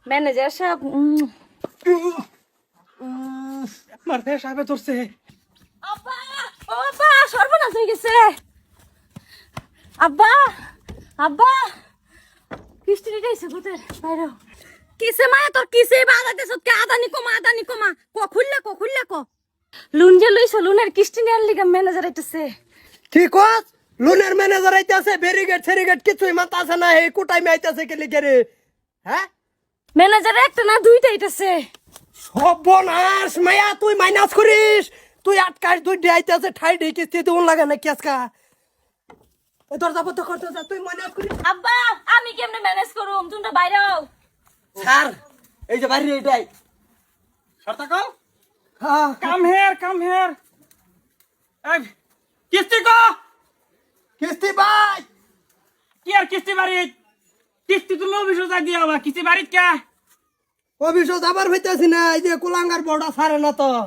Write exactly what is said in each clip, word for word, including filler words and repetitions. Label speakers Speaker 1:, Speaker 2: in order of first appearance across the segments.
Speaker 1: Manager সাহেব
Speaker 2: আমার face আবে ধরছে।
Speaker 1: আব্বা ও আব্বা সর্বনাশ হয়ে গেছে। আব্বা আব্বা কিস্তি দিতে এসে কোথায় বাইরে কিসে মায়া তোর কিসে বাজাইতেছ কে আদানি কমা আদানি কমা ক খুললে ক খুললে ক লুন যে লইছ লুনের কিস্তি নেয়ার লিগা ম্যানেজার আইতাছে।
Speaker 3: ঠিক আছে লোনের ম্যানেজার আইতাছে ব্যারিগেট সেরিগেট কিছুই মাথা আছে না এই কোটাই আইতাছে কে লিখে রে হ্যাঁ
Speaker 1: ম্যানেজার একটা না দুইটা আইতাছে।
Speaker 3: সর্বনাশ মায়া তুই মাইনাস করিস তুই আটকাশ তুই আইতাছে ঠাই ঢেকে কিস্তি দিউন লাগে না কি আজকা ওই দরজা বন্ধ করতে যা তুই মাইনাস করিস।
Speaker 1: আব্বা আমি কেমনে ম্যানেজ করুম তোমরা বাইরে হও।
Speaker 3: স্যার এই যে বাইরে এটাই
Speaker 2: শর্তা কল
Speaker 3: হ্যাঁ
Speaker 2: কাম হেয়ার কাম হেয়ার এই কিস্তি ক
Speaker 3: কিস্তি ভাই
Speaker 2: কি আর কিস্তি বাড়ি কিস্তি তুমি অফিসে যা দিয়া হবা কিস্তি বাড়িত কে
Speaker 3: অফিসে যাবার হইতাছি না এই যে কুলাঙ্গার বড়া সারে না তো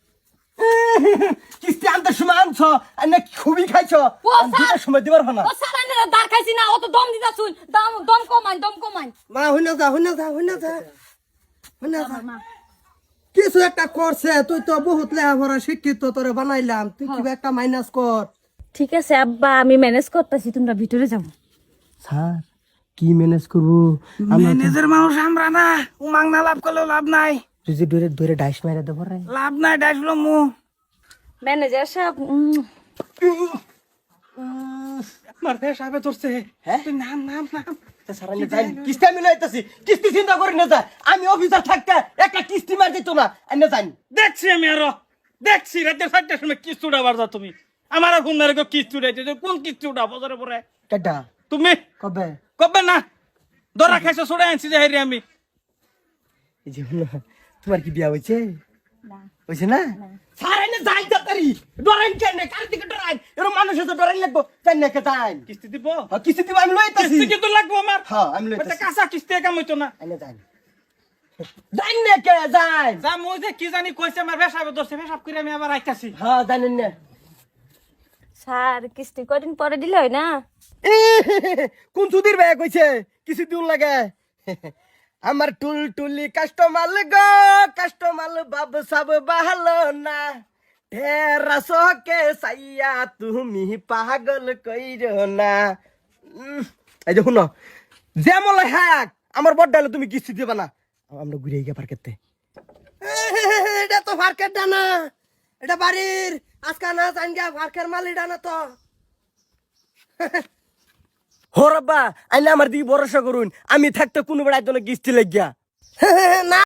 Speaker 3: কিস্তি আনতে সময় আনছ না খুবই খাইছ
Speaker 1: ও স্যার
Speaker 3: সময় দিবার না
Speaker 1: ও স্যার আইনে দাঁড় খাইছি না অত দম দিতা শুন দম দম কমাই দম কমাই
Speaker 3: মা হইনা যা হইনা যা হইনা যা হইনা যা কিছু একটা করছে তুই তো বহুত লেখাপড়া শিক্ষিত তোরে বানাইলাম তুই কি একটা মাইনাস কর।
Speaker 1: ঠিক আছে আব্বা আমি ম্যানেজ করতেছি তোমরা ভিতরে যাও।
Speaker 3: স্যার কি ম্যানেজ করবো
Speaker 2: ম্যানেজার মানুষ আমরা না উমাং না লাভ করলেও লাভ নাই
Speaker 3: তুই যে ধরে ধরে ডাইস মেরে দেবো রে
Speaker 2: লাভ নাই ডাইসলো মু
Speaker 1: ম্যানেজার সাহেব
Speaker 2: আমার ফেস আবে ধরছে।
Speaker 3: হ্যাঁ?
Speaker 2: তুই নাম নাম নাম
Speaker 3: কিস্তি আমি লইতেছি কিস্তি চিন্তা করি না যা আমি অফিসার থাকতে একটা কিস্তি মার দিত না এনে জানি
Speaker 2: দেখছি আমি আরো দেখছি রাতে চারটার সময় কিস্তি উঠাবার যা তুমি আমার ফোন না রেখো কিস্তি উঠাইতে কোন কিস্তি উঠা বছরে পরে
Speaker 3: কেডা
Speaker 2: তুমি
Speaker 3: কবে
Speaker 2: কবে না দরা খাইছো ছড়াই আনছি যে হেরি আমি
Speaker 3: এই যে হলো, তোমার কি বিয়া হয়েছে
Speaker 1: না
Speaker 3: হয়েছে না স্যার এনে যাই তাড়াতাড়ি ডরাইন কেন কার দিকে ডরাইন এর মানুষ তো ডরাইন লাগবো জানি না কে যাই
Speaker 2: কিস্তি দিব
Speaker 3: কিস্তি দিব আমি লইতাছি
Speaker 2: কিস্তি কিন্তু লাগবো আমার
Speaker 3: হ্যাঁ আমি
Speaker 2: ওটা
Speaker 3: লইতাছি
Speaker 2: কাঁচা কিস্তি কাম হইতো না
Speaker 3: এনে যাই জানি না কে যাই
Speaker 2: যা মই যে কি জানি কইছে আমার ভেসাবে দোষে ভেসাব করে আমি আবার আইতাছি
Speaker 3: হ্যাঁ জানেন না
Speaker 1: স্যার কিস্তি কদিন পরে দিলে হয় না।
Speaker 3: কোন সুধীর ভাই কইছে কিছু দিন লাগে আমার টুল টুলি কাস্টমার গো কাস্টমার বাব সব ভালো না ঢেরা সকে সাইয়া তুমি পাগল কইরো না উম, এই দেখুন যেমন হ্যাক আমার বড় তুমি কিস্তি দিবা না আমরা ঘুরে গিয়ে পার্কেতে এটা তো পার্কের ডানা এটা বাড়ির আজকা না জানগা পার্কের মালিডা না তো হো রব্বা আইলে আমার দিকে ভরসা করুন আমি থাকতে কোনো বেড়াই তো কিস্তি লাগিয়া না